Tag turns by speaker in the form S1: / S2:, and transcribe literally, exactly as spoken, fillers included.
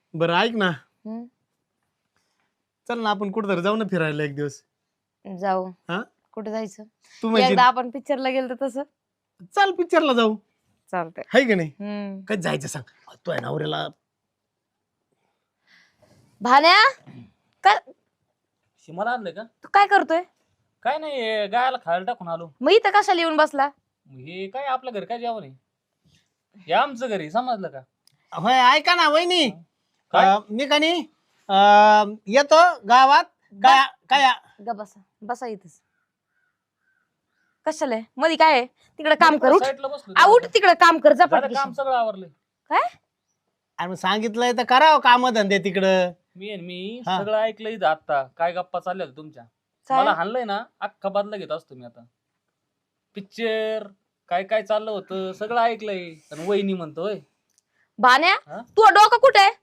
S1: बरं ऐक ना,
S2: हम्म,
S1: चल ना आपण कुठं जाऊ ना फिरायला एक दिवस.
S2: जाऊ.
S1: हा
S2: कुठे जायचं?
S1: तू म्हणजे
S2: एकदा आपण पिक्चरला गेलो तर तसं
S1: चल पिक्चरला जाऊ,
S2: चालतंय.
S1: हाय का नाही?
S2: हम्म.
S1: कधी जायचं सांग, तो आहे नवऱ्याला.
S2: भान्या काय
S3: शिमाला आणलं का?
S2: तू काय करतोय?
S3: काय नाही हे गायला खायला टाकून आलो.
S2: मग इथं कशाला येऊन बसला?
S3: हे काय आपलं घर काय जेवण आहे? हे आमचं घरी समजलं का?
S1: होय ऐका ना वहिनी,
S3: काय?
S1: अं, मी का नाही अं, येतो गावात. काय काय
S2: ग बसा बसा इथंच. कशाला मध्ये काय आहे? तिकडे काम कर. उठ
S3: साईडला बसलो
S2: आ, उठ तिकडे काम कर.
S3: जरा
S2: झपाट
S3: काम सगळं आवरलंय.
S2: काय
S1: अरे मग सांगितलंय तर करावं काम धंदे तिकडं.
S3: मी आणि मी
S1: हा.
S3: सगळं ऐकलं इथं आता काय गप्पा चालल्या होत्या तुमच्या.
S2: काय?
S3: मला हाणलंय ना अख्खा बदला घेत असतो मी आता. पिक्चर काय काय चाललं होतं सगळं ऐकलंय आणि वहिनी म्हणतोय.
S2: भान्या
S3: हा?
S2: तू डोकं कुठे आहे?